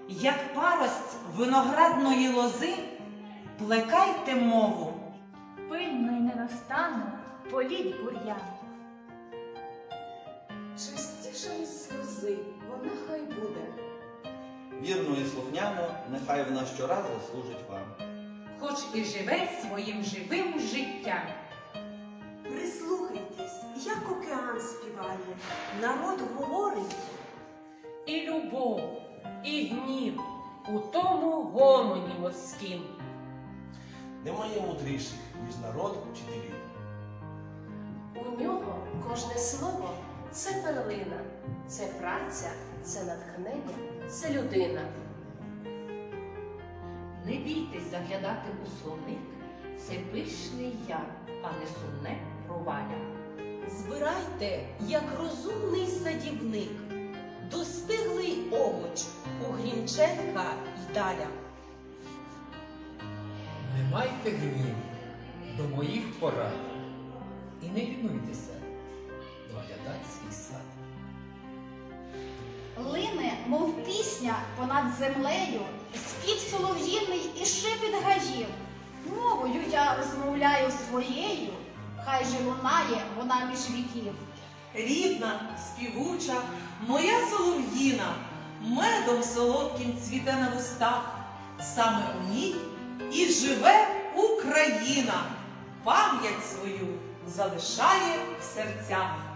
як парость виноградної лози, плекайте мову. Пильно й невостанно політь бур'ян. Чистіша із сльози, вона хай буде. Вірно і слухняно, нехай вона щоразу служить вам. Хоч і живе своїм живим життям. Прислухайтесь, як океан співає, народ говорить. І любов, і гнів у тому гомоні морськім. Немає мудріших, ніж народ вчителів. У нього кожне слово – це перлина, це праця, це натхнення, це людина. Не бійтесь заглядати у словник, це пишний яр, а не сумне проваля. Збирайте, як розумний садівник, достиглий овоч у Грінченка й Даля. Не майте гніву до моїх порад і не лінуйтеся доглядати свій сад. Лине, мов пісня понад землею, спів солов'їний і шепіт гаїв. Мовою я розмовляю своєю, хай же лунає вона між віків. Рідна, співуча, моя солов'їна, медом солодким цвіте на вустах. Саме у ній і живе Україна, пам'ять свою залишає в серцях.